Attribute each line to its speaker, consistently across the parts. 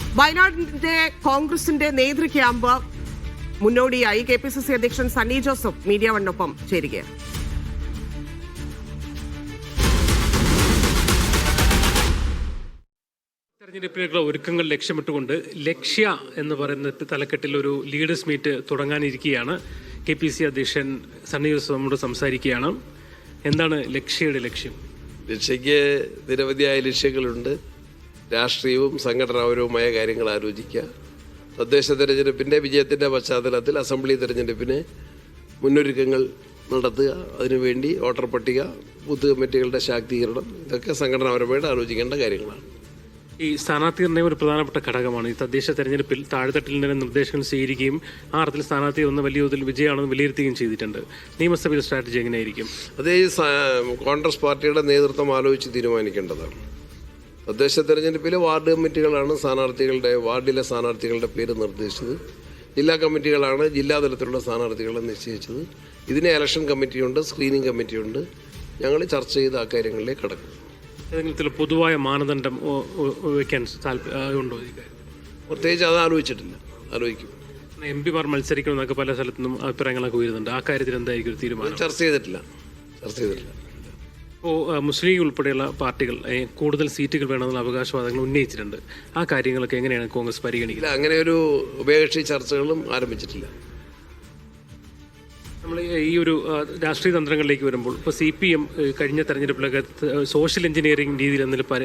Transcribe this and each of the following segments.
Speaker 1: വയനാടിന്റെ കോൺഗ്രസിന്റെ നേതൃ ക്യാമ്പ് മുന്നോടിയായി KPCC അധ്യക്ഷൻ സണ്ണി ജോസഫ് മീഡിയ വണ്ണൊപ്പം ചേരുകയാണ്.
Speaker 2: തെരഞ്ഞെടുപ്പിലേക്കുള്ള ഒരുക്കങ്ങൾ ലക്ഷ്യമിട്ടുകൊണ്ട് ലക്ഷ്യ എന്ന് പറയുന്ന തലക്കെട്ടിൽ ഒരു ലീഡേഴ്സ് മീറ്റ് തുടങ്ങാനിരിക്കുകയാണ്. KPCC അധ്യക്ഷൻ സണ്ണി ജോസഫ് നമ്മോട് സംസാരിക്കുകയാണ്. എന്താണ് ലക്ഷ്യയുടെ ലക്ഷ്യം?
Speaker 3: ലക്ഷ്യയ്ക്ക് നിരവധിയായ ലക്ഷ്യങ്ങളുണ്ട്. രാഷ്ട്രീയവും സംഘടനാപരവുമായ കാര്യങ്ങൾ ആലോചിക്കുക. തദ്ദേശ തെരഞ്ഞെടുപ്പിൻ്റെ വിജയത്തിൻ്റെ പശ്ചാത്തലത്തിൽ അസംബ്ലി തെരഞ്ഞെടുപ്പിന് മുന്നൊരുക്കങ്ങൾ നടത്തുക, അതിനുവേണ്ടി വോട്ടർ പട്ടിക, ബൂത്ത് കമ്മിറ്റികളുടെ ശാക്തീകരണം, ഇതൊക്കെ സംഘടനാപരമായിട്ട് ആലോചിക്കേണ്ട കാര്യങ്ങളാണ്.
Speaker 2: ഈ സ്ഥാനാർത്ഥി നിർണ്ണയം ഒരു പ്രധാനപ്പെട്ട ഘടകമാണ്. ഈ തദ്ദേശ തെരഞ്ഞെടുപ്പിൽ താഴെത്തട്ടിൽ നിന്ന് നിർദ്ദേശങ്ങൾ സ്വീകരിക്കുകയും ആ അർത്ഥത്തിൽ സ്ഥാനാർത്ഥി ഒന്ന് വലിയ തോതിൽ വിജയമാണെന്ന് വിലയിരുത്തുകയും ചെയ്തിട്ടുണ്ട്. നിയമസഭയിൽ സ്ട്രാറ്റജി എങ്ങനെയായിരിക്കും?
Speaker 3: അതേ കോൺഗ്രസ് പാർട്ടിയുടെ നേതൃത്വം ആലോചിച്ച് തീരുമാനിക്കേണ്ടതാണ്. തദ്ദേശ തെരഞ്ഞെടുപ്പിലെ വാർഡ് കമ്മിറ്റികളാണ് വാർഡിലെ സ്ഥാനാർത്ഥികളുടെ പേര് നിർദ്ദേശിച്ചത്. ജില്ലാ കമ്മിറ്റികളാണ് ജില്ലാതലത്തിലുള്ള സ്ഥാനാർത്ഥികളെ നിശ്ചയിച്ചത്. ഇതിന് ഇലക്ഷൻ കമ്മിറ്റിയുണ്ട്, സ്ക്രീനിങ് കമ്മിറ്റിയുണ്ട്. ഞങ്ങൾ ചർച്ച ചെയ്ത് ആ കാര്യങ്ങളിലേക്ക് കടക്കും.
Speaker 2: ഏതെങ്കിലും പൊതുവായ മാനദണ്ഡം വയ്ക്കാൻ ഉണ്ടോ?
Speaker 3: പ്രത്യേകിച്ച് അത് ആലോചിച്ചിട്ടില്ല, ആലോചിക്കും.
Speaker 2: MP മാർ മത്സരിക്കണമെന്നൊക്കെ പല സ്ഥലത്തുനിന്നും അഭിപ്രായങ്ങളൊക്കെ ഉയരുന്നുണ്ട്. ആ കാര്യത്തിൽ എന്തായിരിക്കും ഒരു തീരുമാനം?
Speaker 3: ചർച്ച ചെയ്തിട്ടില്ല.
Speaker 2: ഇപ്പോൾ മുസ്ലിം ലീഗ് ഉൾപ്പെടെയുള്ള പാർട്ടികൾ കൂടുതൽ സീറ്റുകൾ വേണമെന്നുള്ള അവകാശവാദങ്ങൾ ഉന്നയിച്ചിട്ടുണ്ട്. ആ കാര്യങ്ങളൊക്കെ എങ്ങനെയാണ് കോൺഗ്രസ് പരിഗണിക്കുന്നത്?
Speaker 3: അങ്ങനെ ഒരു ഉഭയകക്ഷി ചർച്ചകളും ആരംഭിച്ചിട്ടില്ല.
Speaker 2: നമ്മൾ ഈ ഒരു രാഷ്ട്രീയ തന്ത്രങ്ങളിലേക്ക് വരുമ്പോൾ ഇപ്പോൾ CPM കഴിഞ്ഞ തെരഞ്ഞെടുപ്പിലൊക്കെ സോഷ്യൽ എഞ്ചിനീയറിംഗ് രീതിയിൽ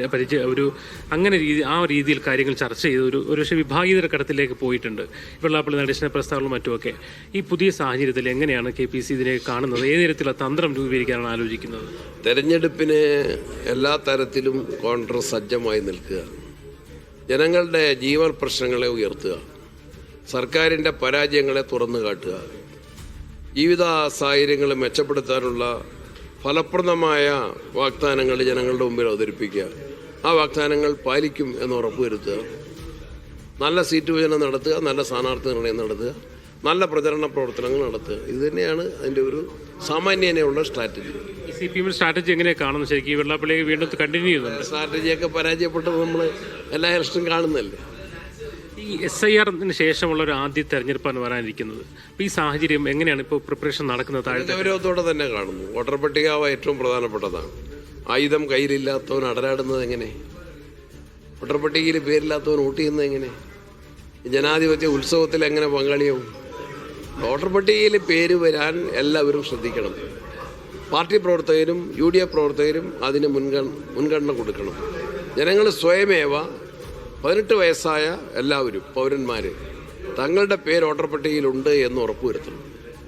Speaker 2: ആ രീതിയിൽ കാര്യങ്ങൾ ചർച്ച ചെയ്ത് ഒരു പക്ഷേ വിഭാഗീയതര ഘട്ടത്തിലേക്ക് പോയിട്ടുണ്ട്. വെള്ളാപ്പള്ളി നടേശന പ്രസ്താവനകളും മറ്റുമൊക്കെ. ഈ പുതിയ സാഹചര്യത്തിൽ എങ്ങനെയാണ് KPCC ഇതിനെ കാണുന്നത്? ഏത് തരത്തിലുള്ള തന്ത്രം രൂപീകരിക്കാനാണ് ആലോചിക്കുന്നത്?
Speaker 3: തെരഞ്ഞെടുപ്പിന് എല്ലാ തരത്തിലും കോൺഗ്രസ് സജ്ജമായി നിൽക്കുക, ജനങ്ങളുടെ ജീവൻ പ്രശ്നങ്ങളെ ഉയർത്തുക, സർക്കാരിൻ്റെ പരാജയങ്ങളെ തുറന്നു കാട്ടുക, ജീവിത സാഹചര്യങ്ങൾ മെച്ചപ്പെടുത്താനുള്ള ഫലപ്രദമായ വാഗ്ദാനങ്ങൾ ജനങ്ങളുടെ മുമ്പിൽ അവതരിപ്പിക്കുക, ആ വാഗ്ദാനങ്ങൾ പാലിക്കും എന്ന് ഉറപ്പുവരുത്തുക, നല്ല സീറ്റ് വിഭജനം നടത്തുക, നല്ല സ്ഥാനാർത്ഥി നിർണ്ണയം നടത്തുക, നല്ല പ്രചരണ പ്രവർത്തനങ്ങൾ നടത്തുക. ഇത് തന്നെയാണ് അതിൻ്റെ ഒരു സാമാന്യനെയുള്ള സ്ട്രാറ്റജി.
Speaker 2: CPM സ്ട്രാറ്റജി എങ്ങനെയാണ് കാണുന്നത്? ശരിക്കും വെള്ളാപ്പള്ളിയെ വീണ്ടും കണ്ടിന്യൂ ചെയ്യുന്നുണ്ട്.
Speaker 3: സ്ട്രാറ്റജിയൊക്കെ പരാജയപ്പെട്ടത് നമ്മൾ എല്ലാ ഇലക്ഷനും കാണുന്നതല്ലേ.
Speaker 2: ഈ SIR-ന് ശേഷമുള്ള ഒരു ആദ്യ തെരഞ്ഞെടുപ്പാണ് വരാനിരിക്കുന്നത്. അപ്പോൾ ഈ സാഹചര്യം എങ്ങനെയാണ് ഇപ്പോൾ പ്രിപ്പറേഷൻ നടക്കുന്നത്?
Speaker 3: ഗൗരവത്തോടെ തന്നെ കാണുന്നു. വോട്ടർ പട്ടിക ഏറ്റവും പ്രധാനപ്പെട്ടതാണ്. ആയുധം കയ്യിലില്ലാത്തവൻ അടരാടുന്നത് എങ്ങനെ? വോട്ടർ പട്ടികയിൽ പേരില്ലാത്തവൻ വോട്ട് ചെയ്യുന്നത് എങ്ങനെ? ജനാധിപത്യ ഉത്സവത്തിൽ എങ്ങനെ പങ്കാളിയാവും? വോട്ടർ പട്ടികയിൽ പേര് വരാൻ എല്ലാവരും ശ്രദ്ധിക്കണം. പാർട്ടി പ്രവർത്തകരും UDF പ്രവർത്തകരും അതിന് മുൻഗണന കൊടുക്കണം. ജനങ്ങൾ സ്വയമേവ 18 വയസ്സായ എല്ലാവരും പൗരന്മാർ തങ്ങളുടെ പേര് വോട്ടർ പട്ടികയിലുണ്ട് എന്ന് ഉറപ്പുവരുത്തണം.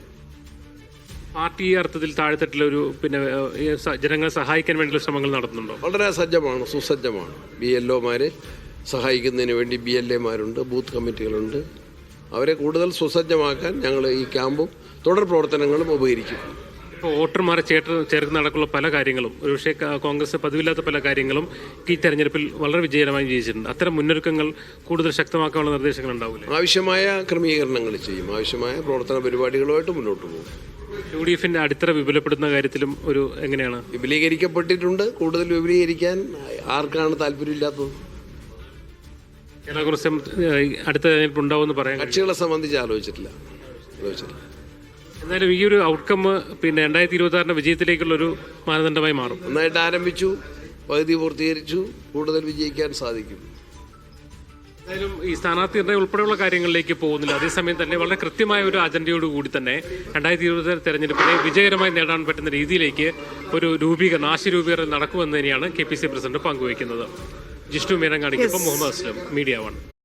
Speaker 2: പാർട്ടി അർത്ഥത്തിൽ താഴെത്തട്ടിലൊരു ജനങ്ങളെ സഹായിക്കാൻ വേണ്ടിയുള്ള ശ്രമങ്ങൾ നടത്തുന്നുണ്ടോ?
Speaker 3: വളരെ സജ്ജമാണ്, സുസജ്ജമാണ്. BLO-മാർ സഹായിക്കുന്നതിന് വേണ്ടി BLA-മാരുണ്ട്, ബൂത്ത് കമ്മിറ്റികളുണ്ട്. അവരെ കൂടുതൽ സുസജ്ജമാക്കാൻ ഞങ്ങൾ ഈ ക്യാമ്പും തുടർ പ്രവർത്തനങ്ങളും ഉപകരിക്കും.
Speaker 2: ഇപ്പോൾ വോട്ടർമാരെ ചേർന്ന് നടക്കുന്ന പല കാര്യങ്ങളും ഒരുപക്ഷെ കോൺഗ്രസ് പതിവില്ലാത്ത പല കാര്യങ്ങളും ഈ തെരഞ്ഞെടുപ്പിൽ വളരെ വിജയകരമായി വിജയിച്ചിട്ടുണ്ട്. അത്തരം മുന്നൊരുക്കങ്ങൾ കൂടുതൽ ശക്തമാക്കാനുള്ള നിർദ്ദേശങ്ങൾ ഉണ്ടാവില്ല?
Speaker 3: ആവശ്യമായ ക്രമീകരണങ്ങൾ ചെയ്യും, ആവശ്യമായ പ്രവർത്തന പരിപാടികളുമായിട്ട് മുന്നോട്ട് പോകും.
Speaker 2: UDF-ന്റെ അടിത്തറ വിപുലപ്പെടുത്തുന്ന കാര്യത്തിലും എങ്ങനെയാണ്?
Speaker 3: വിപുലീകരിക്കപ്പെട്ടിട്ടുണ്ട്. കൂടുതൽ വിപുലീകരിക്കാൻ ആർക്കാണ് താല്പര്യമില്ലാത്തത്?
Speaker 2: കോൺഗ്രസ് അടുത്ത തെരഞ്ഞെടുപ്പ് ഉണ്ടാവുമെന്ന് പറയാൻ
Speaker 3: കക്ഷികളെ സംബന്ധിച്ച് ആലോചിച്ചിട്ടില്ല.
Speaker 2: എന്നാലും ഈ ഒരു ഔട്ട്കം 2026 വിജയത്തിലേക്കുള്ളൊരു മാനദണ്ഡമായി മാറും.
Speaker 3: നന്നായിട്ട് ആരംഭിച്ചു, പകുതി പൂർത്തീകരിച്ചു, കൂടുതൽ വിജയിക്കാൻ സാധിക്കും.
Speaker 2: എന്തായാലും ഈ സ്ഥാനാർത്ഥി നിർണ്ണയം ഉൾപ്പെടെയുള്ള കാര്യങ്ങളിലേക്ക് പോകുന്നില്ല. അതേസമയം തന്നെ വളരെ കൃത്യമായ ഒരു അജണ്ടയോടുകൂടി തന്നെ 2026 തെരഞ്ഞെടുപ്പിനെ വിജയകരമായി നേടാൻ പറ്റുന്ന രീതിയിലേക്ക് ഒരു ആശയ രൂപീകരണം നടക്കുമെന്ന് തന്നെയാണ് KPCC പ്രസിഡന്റ് പങ്കുവയ്ക്കുന്നത്. ജിഷ്ണു മീനങ്ങാടിക്കൊപ്പം മുഹമ്മദ് അസ്ലം, മീഡിയ 1.